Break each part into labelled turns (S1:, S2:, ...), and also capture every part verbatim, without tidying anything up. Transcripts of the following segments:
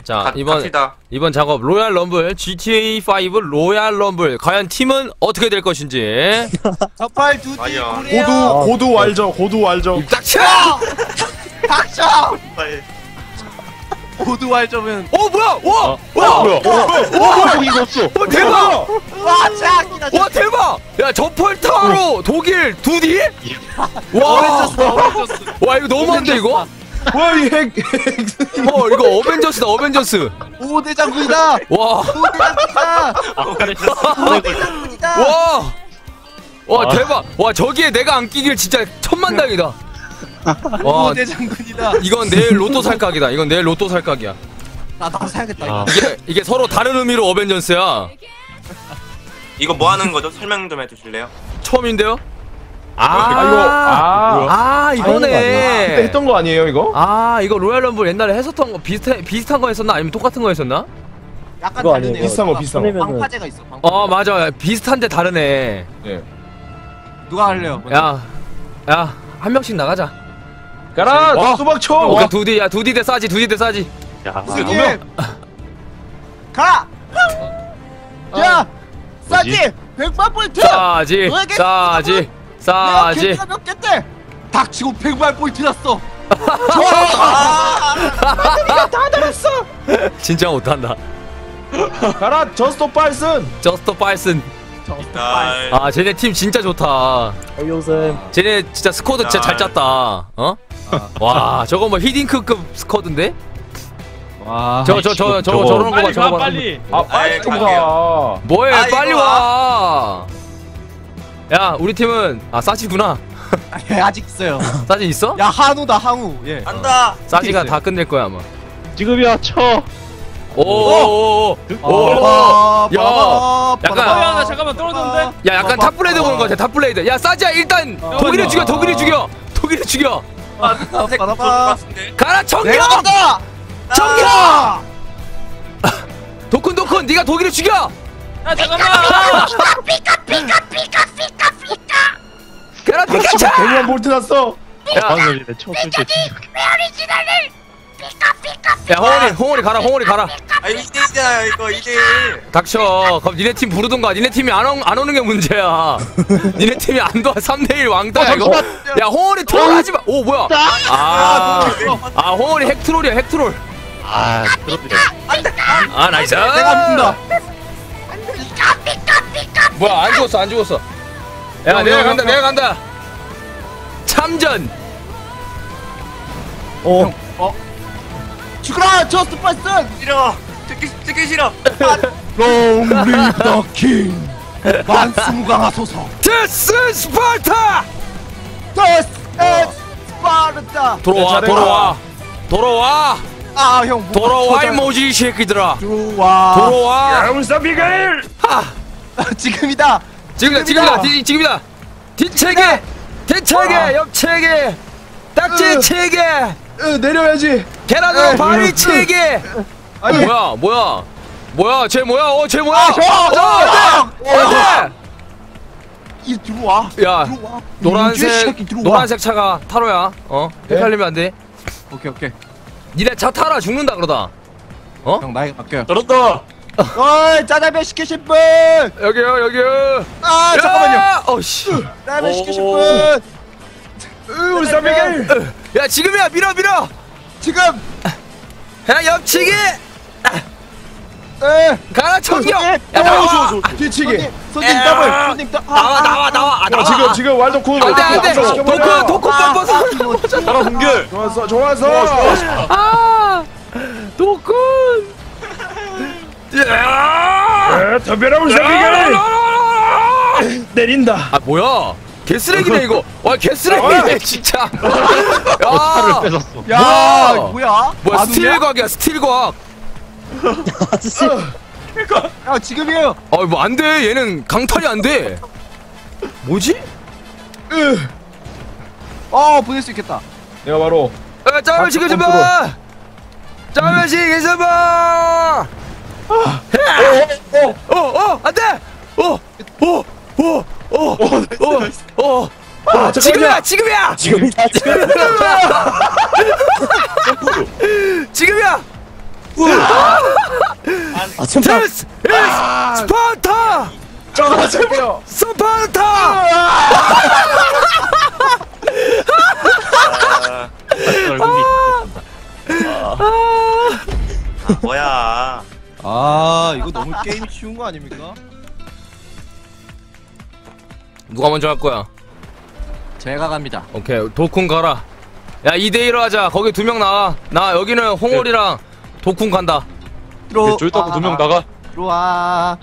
S1: 자
S2: 가,
S1: 이번
S2: 갑시다.
S1: 이번 작업 로얄 럼블 지티에이 오 로얄 럼블 과연 팀은 어떻게 될 것인지.
S3: 저팔 두디
S2: 아니야.
S3: 고래요.
S4: 고두 고두 왈적 고두 왈적.
S1: 입 닥쳐!
S3: 닥쳐.
S2: 빨리.
S3: 고두 왈점은
S1: 어 뭐야? 와!
S4: 어,
S1: 와!
S4: 뭐야? 와 이거 없어.
S1: 와 대박!
S3: 와 짱이다.
S1: 와 대박! 야 저펄타로 독일 두디? 와!
S3: 어벤져스 어벤져스.
S1: 와 이거 너무한데 이거?
S4: 와이 핵.
S1: 어 이거 어벤져스다 어벤져스.
S3: 오대 장군이다.
S1: 와!
S3: 오대 장군이다.
S5: 아,
S3: 오대 장군이다.
S1: 와! 와
S5: 아.
S1: 대박! 와 저기에 내가 안 끼길 진짜 천만다행이다. 와
S3: 오대 장군이다.
S1: 이건 내일 로또 살각이다. 이건 내일 로또 살각이야.
S3: 나도 사야겠다.
S5: 아.
S1: 이게 이게 서로 다른 의미로 어벤져스야.
S2: 이거 뭐 하는 거죠? 설명 좀 해주실래요?
S1: 처음인데요? 아,
S4: 아 이거 아.
S1: 아
S4: 그때
S1: 이거네.
S4: 했던 거 아니에요 이거?
S1: 아 이거 로얄 럼블 옛날에 했었던 거 비슷해 비슷한 거 했었나 아니면 똑같은 거 했었나?
S3: 약간
S5: 그거
S3: 다르네요.
S5: 아니에요.
S4: 비슷한 거, 비슷한 거.
S3: 방파제가 있어. 방파제.
S1: 어 맞아 비슷한데 다르네.
S4: 예.
S3: 누가 할래요? 먼저?
S1: 야, 야 한 명씩 나가자.
S4: 가라
S1: 와.
S4: 수박 쳐.
S1: 어, 그 두디 야 두디 대 싸지 두디 대 싸지.
S5: 야,
S3: 승희!
S4: 명.
S3: 가! 야! 싸지!
S5: 뭐지?
S3: 백만 포인트!
S1: 싸지
S3: 너에게
S1: 싸지
S3: 내가
S1: 싸지.
S3: 개가 몇 개인데! 닥치고 백만 포인트 났어!
S1: 진짜 못한다.
S4: 가라 저스톱 발슨.
S1: 저스터 파이슨.
S2: 날.
S1: 아 쟤네 팀 진짜 좋다.
S5: 요즘
S1: 쟤네 진짜 스쿼드 진짜 잘 짰다. 어? 와 저거 뭐 히딩크급 스쿼드인데?
S3: 와.
S1: 저거 저 저 저
S5: 저거.
S1: 저런 거 봐
S6: 빨리
S1: 저거
S6: 가
S1: 봐.
S6: 빨리.
S4: 아 빨리
S2: 아이,
S4: 좀
S2: 갈게요.
S4: 가.
S1: 뭐해
S2: 아,
S1: 빨리
S2: 이거
S1: 와. 야 우리 팀은 아 싸지구나.
S3: 예, 아직 있어요.
S1: 싸지 있어?
S3: 야, 한우다, 한우. 예.
S2: 간다.
S1: 싸지가 다 끝낼 거야 아마.
S5: 지금이야 쳐.
S1: 오오오오.
S3: 어,
S1: 야, 약간-
S6: 어, 야, 나 잠깐만 떨어졌는데?
S1: 야 약간 탑블레이드 보는 거 같아 탑블레이드. 야 싸지야 일단 독일을 죽여 독일을 죽여 독일을 죽여.
S2: 아, 색 좋을 것 같은데.
S1: 가라 청경.
S3: 내가 간다!
S1: 청경. 도쿤 도쿤 네가 독일을 죽여.
S6: 야 잠깐만.
S1: 가라 피카츄.
S4: 백만 볼트 났어.
S1: 야,
S5: 방금이네 쳤을 때 진짜.
S1: 야 홍원이 홍원이 가라 홍원이 가라.
S2: 아 이거 이 대일이잖아요 이거 이 대일.
S1: 닥쳐. 그럼 니네 팀 부르던가. 니네 팀이 안, 오, 안 오는 게 문제야. 니네 팀이 안 도와. 삼 대 일 왕따야 이거. 야 홍원이 트롤하지 마. 오 뭐야? 아, 아 홍원이 핵 트롤이야 핵 트롤.
S5: 아, 그렇네.
S1: 아 나이스.
S3: 내가 민다.
S1: 뭐야 안 죽었어 안 죽었어. 야
S3: 형,
S1: 내가
S3: 형,
S1: 간다
S3: 형,
S1: 내가 간다. 참전.
S5: 어,
S3: 죽어라, 저스트 파이슨!
S2: 싫어. 듣기 듣기 싫어.
S3: 롱 리브 더 킹! 만수무강하소서!
S1: 데스 스파르타.
S3: 더스 엑 스파르타!
S1: 돌아와
S4: 내 차례다.
S1: 돌아와 돌아와
S3: 아, 형, 뭐가
S1: 돌아와 이
S3: 터져.
S1: 모지 이 새끼들아.
S3: 들어와.
S1: 돌아와.
S4: 야무사 비가일.
S1: 하.
S3: 지금이다!
S1: 지금이다 지금이다 디, 지금이다. 뒷체계 대체계 옆체계 딱지
S4: 으.
S1: 체계
S4: 으, 내려야지.
S1: 계란으로
S4: 에이,
S1: 바위
S4: 으.
S1: 체계.
S4: 아니
S1: 뭐야 뭐야 뭐야 쟤 뭐야 어쟤 뭐야.
S3: 아, 형!
S1: 어 안돼 안돼.
S3: 이 들어와.
S1: 야
S3: 들어와. 이
S1: 노란색
S3: 새끼 들어와.
S1: 노란색 차가 타로야. 어 헷갈리면 안 돼.
S3: 오케이, 오케이.
S1: 니네 차 타라 죽는다 그러다. 어?
S3: 형, 나에게 맡겨요.
S4: 저런다.
S3: 어이, 짜장면 시키실 분!
S1: 여기요 여기요.
S3: 아, 잠깐만요.
S1: 어씨.
S3: 짜장면 시키실
S1: 오.
S3: 분!
S4: 으, 울산 비가일.
S1: 야 지금이야 밀어 밀어.
S3: 지금!
S1: 야 옆치기.
S3: 에!
S1: 가라 청경. 야
S3: 어,
S1: 나와.
S4: 뒤치기.
S3: 손님, 손님 더블! 손님 더
S1: 나와 나와 나와. 아,
S4: 야,
S1: 나와.
S4: 지금 지금 왈적 군.
S1: 안돼 안돼. 도쿠 도쿠 뻔뻔.
S4: 나라 공개. 좋았어 좋았어.
S1: 아 도쿤.
S4: 에, 덤벼라 울산 비가일. 내린다.
S1: 아 뭐야? 개쓰레기네 이거. 와 개쓰레기네 진짜.
S5: 차를
S1: 야
S5: 뺏었어.
S3: 야,
S1: 뭐야?
S3: 뭐야?
S1: 뭐야
S3: 안
S1: 스틸 과학이야 스틸 과학.
S3: 웃냐? 야, 지금이에요.
S1: 어뭐 안 돼. 얘는 강탈이 안 돼. 뭐지?
S4: 으.
S3: 어, 보낼 수 있겠다.
S4: 내가 바로
S1: 아 짬을 시켜 좀 봐. 짬을 시켜 봐. 어어어 안돼. 어어어어어어
S4: 아,
S1: 지금이야 지금이야
S5: 지금이다, 지금.
S1: 지금이야.
S7: 아 천파.
S1: This is 스파르타!
S4: 저 저기요.
S1: 스파르타!
S2: 아,
S5: 얼굴이
S2: 뭐야?
S3: 아 이거 너무 게임 쉬운 거 아닙니까?
S1: 누가 먼저 할 거야?
S3: 제가 갑니다.
S1: 오케이, 도쿤 가라. 야, 이 대 일로 하자. 거기 두 명 나와. 나 여기는 홍월이랑 도쿤 간다.
S3: 들어.
S5: 저기 따고 두명 나가.
S3: 들어와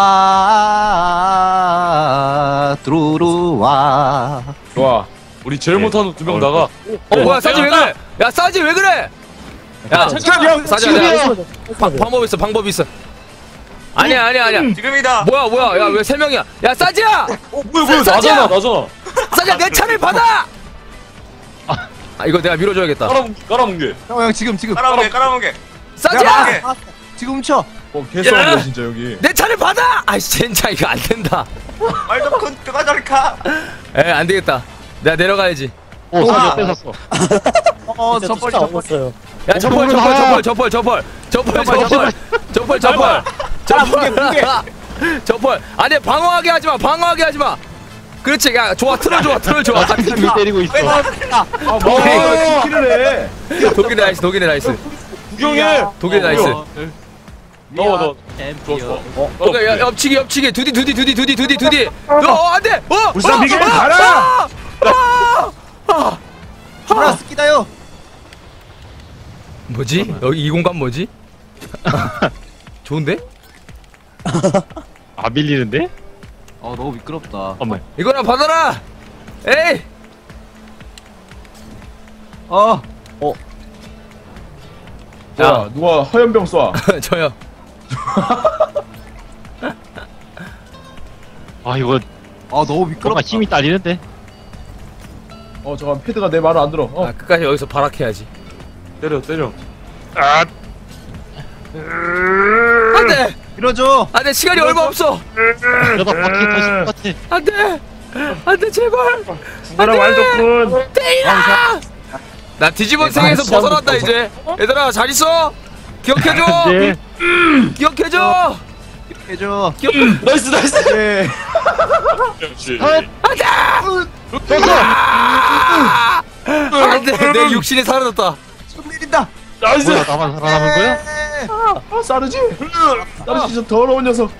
S3: 들어와 들어와.
S4: 좋아. 우리 제일 못하는 두 명 나가.
S1: 어, 뭐야, 싸지 왜 그래? 야, 싸지 왜 그래? 야,
S3: 잠깐만.
S1: 싸지 내가 방- 방법 있어, 방법 있어. 아니야, 아니야, 아니야.
S2: 지금이다.
S1: 뭐야, 뭐야, 야, 왜 세 명이야? 야, 싸지야!
S4: 어 뭐야 뭐야
S1: 싸지야!
S4: 나잖아 나잖아.
S1: 싸지야, 내 차를 받아! 아, 이거 내가 밀어줘야겠다.
S4: 깔아뭉 깔아뭉개.
S3: 형, 형 지금 지금.
S2: 깔아보게 깔아보게.
S1: 싸지야!
S3: 아, 지금 훔쳐.
S4: 어 개싸움이야 진짜 여기.
S1: 내 차를 받아! 아이씨, 진짜 이거 안 된다.
S2: 말도 큰 그가 저리 가.
S1: 에, 안 되겠다. 내가 내려가야지.
S5: 오, 사자 뺏었어.
S3: 어, 저벌 저벌.
S7: 없어요.
S1: 야, 저펄, 저펄, 저펄, 저펄, 저펄, 저펄, 저펄, 저펄, 저펄, 저펄, 저펄. 아니, 방어하게 하지 마, 방어하게 하지 마. 그렇지, 야, 좋아, 틀어 좋아, 틀어 좋아.
S5: 미 때리고 있어.
S4: 아 뭐야 키를 해.
S1: 독일의 나이스, 독일의 나이스,
S4: 구경해.
S1: 독일의 나이스.
S4: 넣어 넣어.
S3: 챔피언.
S4: 좋았어. 어.
S1: 오케이, 야, 옆치기, 옆치기, 두디, 두디, 두디, 두디, 두디, 두디. 너, 어, 안 돼. 어,
S4: 울산
S1: 어,
S4: 비결
S1: 어,
S4: 가라!
S1: 어, 어, 어.
S3: 하나 스키다요.
S1: 뭐지? 여기 이 공간 뭐지? 좋은데?
S5: 아, 밀리는데?
S3: 어, 너무 미끄럽다.
S5: 어머.
S1: 이거나 받아라. 에이.
S3: 어,
S4: 야 누가 화염병 쏴.
S1: 저요.
S5: 아, 이거
S3: 어, 너무
S5: 뭔가
S3: 미끄럽다.
S5: 힘이 딸리는데?
S4: 어 잠깐 패드가 내 말을 안 들어. 어
S1: 아, 끝까지 여기서 발악해야지.
S4: 때려 때려.
S5: 아,
S1: 안돼,
S3: 밀어줘.
S1: 안돼, 시간이 얼마 없어.
S5: 그러다 바퀴 터질 것 같아.
S1: 안돼, 안돼, 제발.
S4: 죽어라 왈도쿤.
S1: 때리라. 나 뒤집은 생에서 벗어난다 이제. 얘들아, 잘 있어. 기억해줘.
S5: 네.
S1: 기억해줘.
S3: 해줘.
S1: 기억.
S4: 나이스 나이스. 네. 역시.
S1: 안돼. 아! 안돼, 내 육신이 사라졌다.
S3: 손 내린다.
S4: 나이스.
S5: 뭐야, 나만 살아남은 거야?
S4: 아 싸르지. 싸르지 저 더러운 녀석.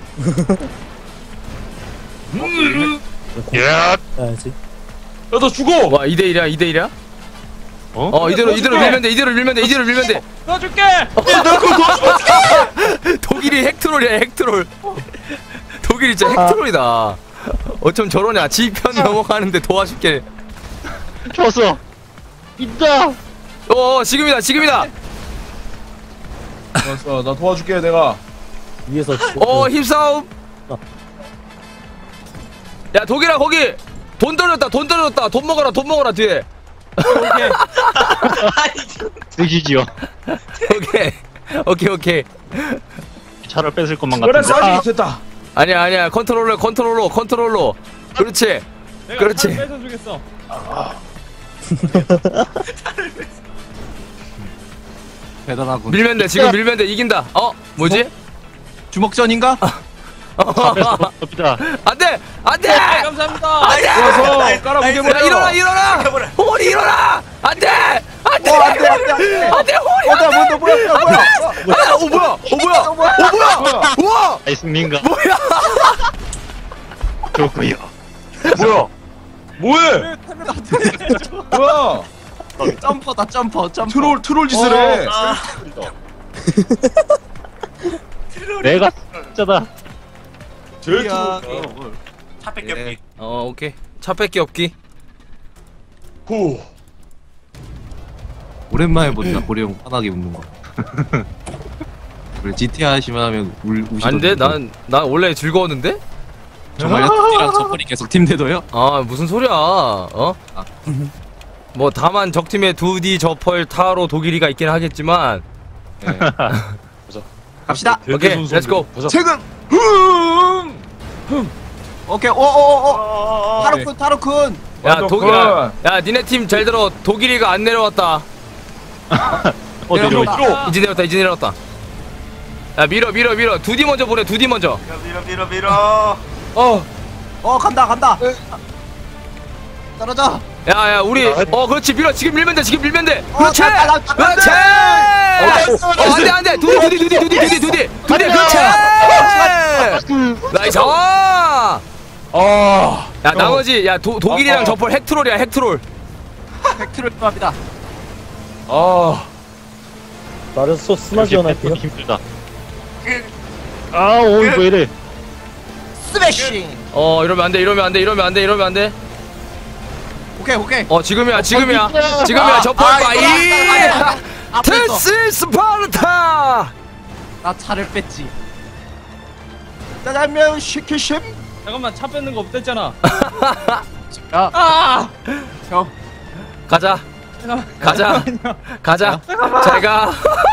S5: 야,
S7: 해야지.
S4: 야너 죽어.
S1: 와, 이 대 일이야, 이 대 일이야?
S5: 어?
S1: 어, 이대로 이대로 밀면 돼, 이대로 밀면 돼, 이대로 밀면 돼.
S6: 넣어줄게.
S1: 독일이 핵트롤이야, 핵트롤. 독일이 진짜 핵트롤이다. 어쩜 저러냐? 지편 넘어가는데 도와줄게.
S5: 쳤어. 있다.
S1: 어, 지금이다, 지금이다.
S4: 알았어 나 도와줄게 내가.
S7: 위에서.
S1: 어, 힘싸움. 야, 독일아, 거기 돈 떨어졌다, 돈 떨어졌다. 돈 먹어라, 돈 먹어라, 뒤에.
S5: 드시지요.
S1: 오케이, 오케이, 오케이.
S5: 차를 뺏을 것만
S4: 그래
S5: 같은데.
S4: 싸지
S5: 아,
S4: 됐다.
S1: 아니야, 아니야. 컨트롤러, 컨트롤러, 컨트롤러. 그렇지.
S6: 내가
S1: 그렇지.
S6: 잘 뺏어주겠어.
S3: 대단하군.
S1: 밀면 돼, 지금 밀면 돼. 이긴다. 어, 뭐지?
S3: 주먹전인가?
S5: 섭니다.
S1: 안 돼! 안 돼!
S6: 네, 감사합니다.
S4: 좋아서 깔아보게
S1: 야,
S4: 버려.
S1: 일어나, 일어나! 호리 일어나! 안 돼! 안 돼!
S3: 어, 안 돼, 안 돼, 안 돼.
S1: 안 돼, 호리!
S3: 어, 뭐야, 뭐야, 뭐야, 뭐야, 뭐야.
S1: 아, 어, 뭐야? 어, 뭐야? 어, 뭐야? 우와!
S5: 아이스민가.
S1: 뭐야?
S5: 좋고요.
S4: 뭐야? 뭐해? 뭐야?
S3: 점퍼다, 점퍼, 점퍼.
S4: 트롤 트롤 짓을 해.
S2: 아.
S5: 내가 진짜다.
S4: 제일
S3: 야,
S4: 트롤.
S3: 뭘.
S2: 차 뺏겼기.
S1: 어, 오케이. 차 뺏기 없기.
S4: 후.
S3: 오랜만에 본다, 고리 형 환하게 웃는 거. 그래, 지티 하시면 하면 울, 우시던데.
S1: 안 돼? 난, 난 원래 즐거웠는데?
S3: 정말요? 토끼랑 저펄이 계속 팀대도요?
S1: 아, 무슨 소리야. 어? 뭐, 다만 적팀에 두디, 저펄, 타로, 독일이가 있긴 하겠지만.
S3: 네. 갑시다.
S1: 오케이, 렛츠고.
S3: 최근! 오케이, 오오오오! 타로쿤, 타로쿤!
S1: 야,
S4: 완전
S1: 독일아. 야, 니네 팀 잘 들어. 독일이가 안 내려왔다.
S5: 어디로?
S3: 내려온다.
S1: 이제 내려왔다, 이제 내려왔다. 야 밀어 밀어 밀어 두디 먼저 보내 두디 먼저.
S2: 밀어 밀어 밀어.
S4: 어.
S3: 어 간다 간다. 떨어져.
S1: 야야 우리 어 그렇지 밀어 지금 밀면 돼 지금 밀면 돼. 그렇지
S3: 나, 나, 나,
S1: 그렇지. 어 안돼 안돼 두디 두디 두디 두디 두디 두디 두디 그렇지. 나이스. 야
S4: 아.
S1: 나머지 야 도, 독일이랑
S4: 어, 어.
S1: 저펄 핵트롤이야 핵트롤.
S3: 팩트를 합니다.
S4: 아.
S7: 나르소 스나 지원할게요.
S5: 힘들다. 아, 오이 왜 이래?
S3: 스매싱.
S1: 어 이러면 안돼 이러면 안돼 이러면 안돼 이러면 안돼.
S3: 오케이 오케이.
S1: 어 지금이야 지금이야 지금이야 저펄
S3: 아,
S1: 파이.
S3: 앞에서.
S1: 테스 스파르타.
S3: 나 차를 뺐지. 짜장면 시키심.
S6: 잠깐만 차 뺏는 거 없댔잖아.
S3: 야.
S6: 아!
S3: 형.
S1: 가자
S6: 잠깐만.
S1: 가자 가자 잘가.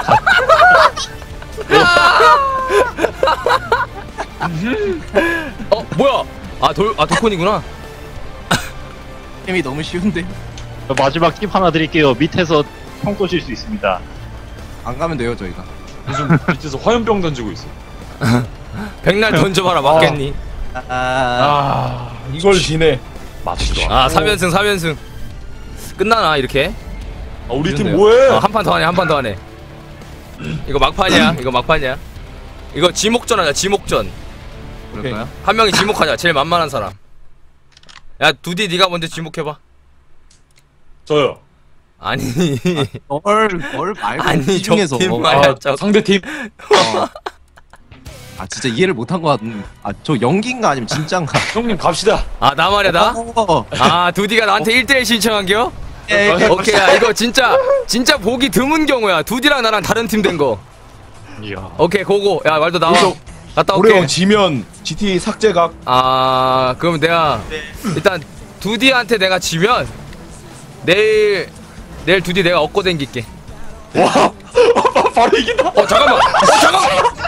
S1: 어 뭐야 아돌아 도콘이구나.
S3: 게임이 너무 쉬운데.
S5: 마지막 팁 하나 드릴게요. 밑에서 총 쏘실 수 있습니다.
S3: 안 가면 돼요 저희가.
S4: 요즘 밑에서 화염병 던지고 있어.
S1: 백날 던져봐라 맞겠니?
S3: 아.
S4: 아, 이걸 지네. 맞지도 않아.
S1: 아 삼 연승 삼 연승 끝나나 이렇게?
S4: 아, 우리 팀
S3: 이런데요?
S4: 뭐해?
S1: 어, 한 판 더 하네 한 판 더 하네. 이거 막판이야 이거 막판이야. 이거 지목전 하자 지목전.
S3: 그럴까요?
S1: 한 명이 지목하자 제일 만만한 사람. 야 두디 네가 먼저 지목해봐.
S4: 저요.
S1: 아니
S3: 널널 말고
S1: 아니
S3: 이 중에서.
S1: 적팀
S3: 어,
S1: 말이야
S4: 아,
S1: 적.
S4: 상대 팀.
S3: 어. 아 진짜 이해를 못한 것 같은. 아저 연기인가 아니면 진짠가?
S4: 형님 갑시다.
S1: 아 나 말이야 나?
S3: 어.
S1: 아 두디가 나한테 일 대 일 신청한겨?
S3: 예, 예.
S1: 오케이 야 이거 진짜 진짜 보기 드문 경우야. 두디랑 나랑 다른 팀 된 거.
S5: 이야.
S1: 오케이 고고. 야 말도 나와.
S4: 그래서
S1: 갔다
S4: 우리
S1: 올게.
S4: 형 지면 지티 삭제각.
S1: 아 그럼 내가 일단 두디한테 내가 지면 내일 내일 두디 내가 얻고 댕길게.
S4: 와. 바로 이긴다.
S1: 어 잠깐만. 어 잠깐만.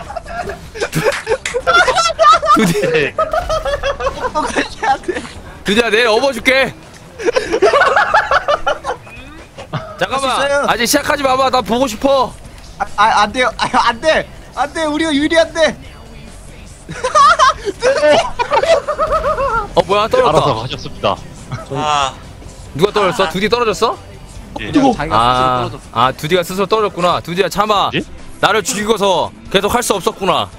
S1: 두디 두디야 내일 업어줄게. 잠깐만 아직 시작하지 마봐. 나 보고 싶어.
S3: 아, 아, 안 돼요. 아, 안 돼. 안 돼. 우리가 유리한데.
S1: 어 뭐야
S5: 알아서
S1: 떨어졌다.
S5: 하셨습니다.
S2: 아
S1: 누가 떨어졌어? 두디 떨어졌어?
S5: 예.
S3: 뜨거. 자기가
S1: 아,
S3: 스스로 떨어졌어.
S1: 아 두디가 스스로 떨어졌구나. 두디야 참아.
S5: 뭐지?
S1: 나를 죽이고서 계속 할 수 없었구나.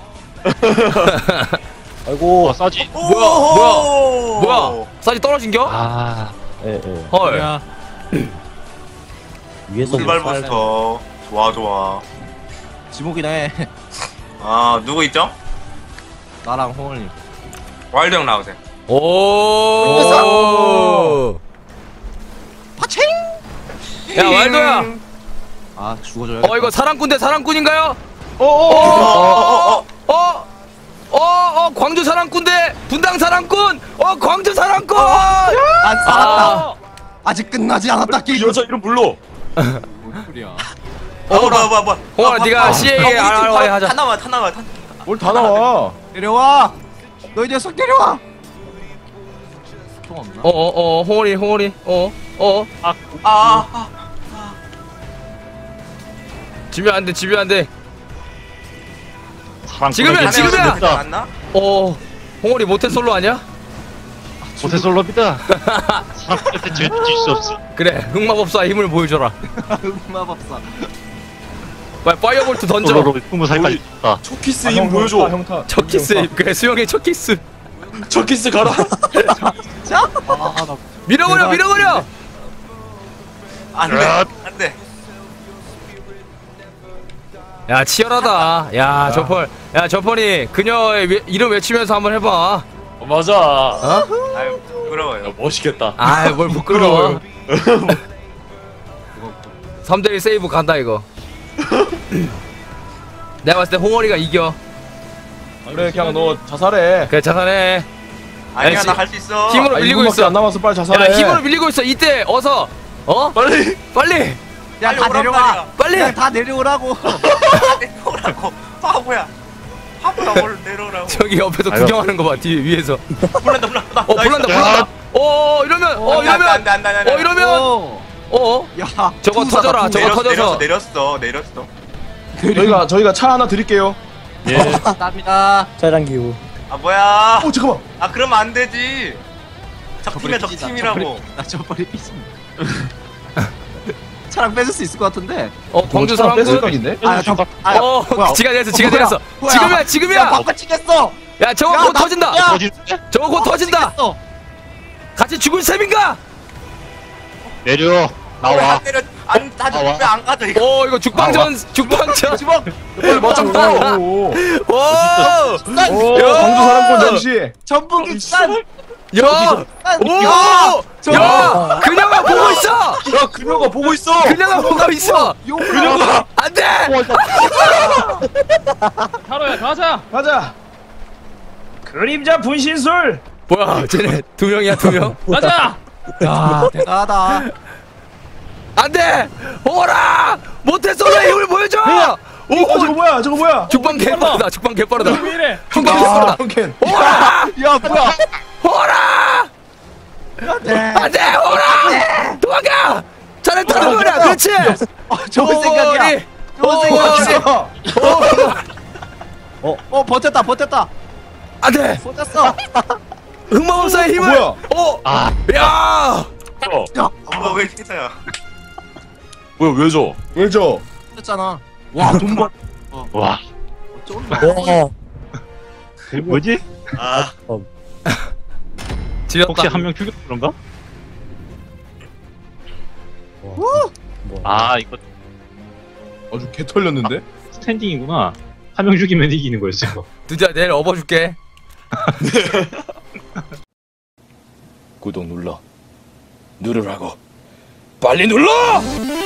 S7: 아이고.
S5: 어, 싸지.
S1: 뭐야 뭐야 뭐야 싸지 떨어진겨?
S5: 아,
S7: 예, 예.
S1: 헐.
S3: 야,
S7: 위에서
S2: 출발부터 좋아 좋아.
S3: 지목이네.
S2: 아 누구 있죠?
S3: 나랑 홍월님.
S2: 와일드 형 나오세요.
S1: 오.
S3: 파칭.
S1: 야 왈도야.
S3: 아 죽어줘야.
S1: 어 이거 사랑꾼 대 사랑꾼인가요?
S2: 어어어어.
S1: 어? 어? 어? 광주 사랑꾼 대 분당 사랑꾼! 어 광주 사랑꾼!
S3: 안 살았다.
S1: 아.
S3: 아직 끝나지 않았다.
S4: 그
S3: 게임.
S4: 여자 이름 불러.
S3: 뭔 소리야?
S2: 어 뭐야 뭐야 뭐야.
S1: 홍아, 네가 씨에이에 알아봐야 하자.
S2: 타 나와 타 나와 타.
S4: 뭘 다 나와.
S3: 내려와. 너 이 녀석 내려와. 총 없나?
S1: 어어어 홍어리 홍어리 어어
S2: 아 아.
S1: 지면 안돼 지면 안돼.
S5: 사랑.
S1: 지금이야, 지금이야!
S2: 맞나?
S1: 어 홍어리 모태솔로 아니야?
S5: 모태솔로입니다. 사랑한테 질수 없어.
S1: 그래 흑마법사 힘을 보여줘라.
S3: 마법사.
S1: 빨리 파이어볼트 던져.
S5: 솔로로 스무 살까지 있다.
S4: 초키스
S1: 아,
S4: 힘 보여줘.
S1: 첫 키스 그래 수영의 첫 키스.
S4: 초키스 가라.
S3: 자. 아, 나
S1: 밀어버려
S3: 대박.
S1: 밀어버려.
S2: 안돼 안돼.
S1: 야 치열하다. 야 저펄 야 저펄이 그녀의 외, 이름 외치면서 한번 해봐.
S4: 어, 맞아.
S1: 어?
S2: 아유 부끄러워요.
S4: 멋있겠다.
S1: 아이 뭘 부끄러워. 삼 대 일 세이브 간다 이거. 내가 봤을 때 홍어리가 이겨.
S4: 그래 그냥 너 자살해.
S1: 그래 자살해.
S2: 아니야
S1: 지-
S2: 나 할 수 있어.
S1: 힘으로
S4: 아,
S1: 밀리고
S4: 이 분밖에
S1: 있어.
S4: 안 남았어. 빨리
S1: 야
S4: 자살해.
S1: 힘으로 밀리고 있어. 이때 어서 어
S4: 빨리.
S1: 빨리
S3: 야, 다 내려와.
S1: 빨리.
S3: 야, 다 내려오라고.
S2: 내려오라고. 바보야. 바보야 뭘 내려오라고.
S1: 저기 옆에서
S5: 아유.
S1: 구경하는 거 봐. 뒤에 위에서.
S2: 불난다 불난다.
S1: 어 불난다 불난다. 어 이러면 어 이러면
S2: 안돼 안돼 안돼.
S1: 어 이러면
S3: 어.
S1: 어
S3: 야.
S1: 저거
S3: 투사다,
S1: 터져라,
S3: 투사.
S1: 저거 터져서.
S2: 내렸어 내렸어 내렸어.
S4: 저희가 저희가 차 하나 드릴게요.
S5: 예.
S3: 감사합니다.
S7: 짜장 기후.
S2: 아 뭐야?
S4: 오 잠깐만.
S2: 아 그러면 안 되지. 적팀이야 적팀이라고.
S3: 나 저번에 삐진. 차랑 뺏을 수 있을 것 같은데.
S1: 어 광주 사람
S4: 뺏을 각인데?
S3: 아 잠깐. 아,
S1: 어
S3: 뭐야?
S1: 지가 됐어 지가
S3: 뭐야?
S1: 됐어
S3: 뭐야?
S1: 지금이야 지금이야
S3: 야 바꿔치겠어.
S1: 야 저거
S3: 야,
S1: 곧
S3: 나-
S1: 터진다
S3: 야!
S5: 터지는데?
S1: 저거 곧 터진다
S3: 바꿔치겠어.
S1: 같이 죽을 셈인가
S5: 내려. 나와.
S2: 안 때려. 안 다져.
S5: 나와.
S2: 왜안 가져 이거?
S1: 오 이거 죽방전 죽방전
S3: 주먹.
S4: 맞짱 떠. 오.
S1: 오
S4: 오.
S1: 야!
S4: 광주 사랑꾼 잠시.
S3: 전북이 산.
S1: 야! 오! 야! 그녀가 보고 있어!
S4: 야 그녀가 보고 있어.
S1: 그녀가 보고 있어!
S4: 그녀가.
S1: 안 돼!
S6: 타로야 가자.
S4: 가자. 그림자 분신술.
S1: 뭐야, 쟤네 두 명이야, 두 명?
S6: 가자.
S3: 야 대단하다.
S1: 안 돼! 오라! 모태솔로의 힘을 보여줘!
S4: 어 저거
S1: 오!
S4: 뭐야? 저거 뭐야?
S1: 죽방 개빠르다, 죽방 개빠르다.
S6: 왜 이래?
S1: 죽방
S4: 아,
S1: 개빠르다.
S4: 캔.
S1: 오라!
S3: 야 뭐야?
S1: 오라! 안 돼! 오라! 도망가! 자네 타는 거야, 그렇지!
S3: 어, 좋은 생각이야. 좋은 생각이야.
S1: 오!
S3: 어 버텼다 버텼다.
S1: 안 돼!
S3: 버텼어.
S1: 흑마법사의 힘을!
S4: 뭐야?
S1: 오!
S5: 아.
S1: 야!
S2: 너왜 태사야?
S8: 뭐야 왜 줘?
S4: 왜죠?
S3: 버텼잖아. 와돈 벌.
S5: 와.
S3: 어쩌는
S7: 와.
S5: 그 뭐지?
S2: 아
S1: 지렸다.
S5: 혹시 한 명 죽였 그런가?
S7: 뭐.
S5: 아 이거
S4: 아주 개 털렸는데?
S5: 스탠딩이구나. 한 명 죽이면 이기는 거였어 이거.
S1: 두자 내일 업어줄게.
S8: 구독 눌러 누르라고 빨리 눌러!